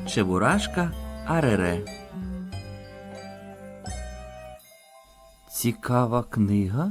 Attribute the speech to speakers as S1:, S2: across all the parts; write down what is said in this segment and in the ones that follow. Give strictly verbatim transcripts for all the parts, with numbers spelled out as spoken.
S1: Чебурашка Арере. Цікава книга?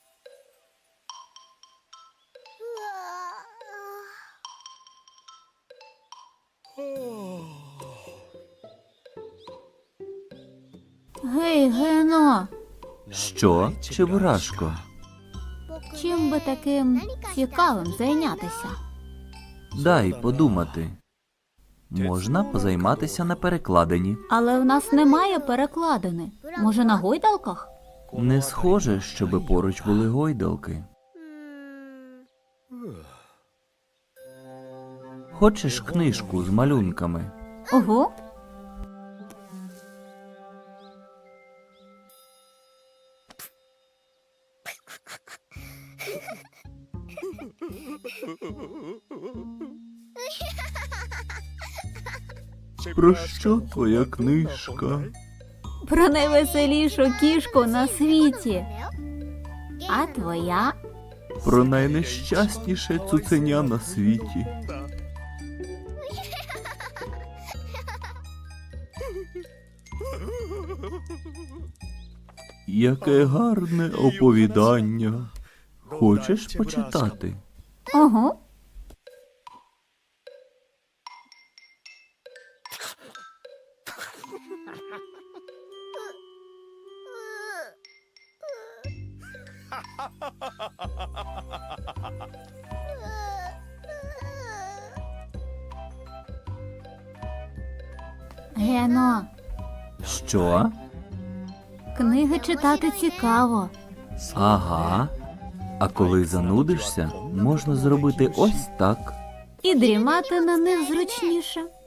S2: Гей, Гено,
S1: Що, Чебурашко?
S2: чим би таким цікавим зайнятися?
S1: Дай подумати. Можна позайматися на перекладині.
S2: Але в нас немає перекладини. Може, на гойдалках?
S1: Не схоже, щоби поруч були гойдалки. Хочеш книжку з малюнками?
S2: Ого.
S1: Про що твоя книжка?
S2: Про найвеселішу кішку на світі. А твоя?
S1: Про найнещасніше цуценя на світі. Яке гарне оповідання. Хочеш почитати?
S2: Ого. Гено,
S1: Що?
S2: книги читати цікаво.
S1: Ага. А коли занудишся, можна зробити ось так.
S2: І дрімати на них зручніше.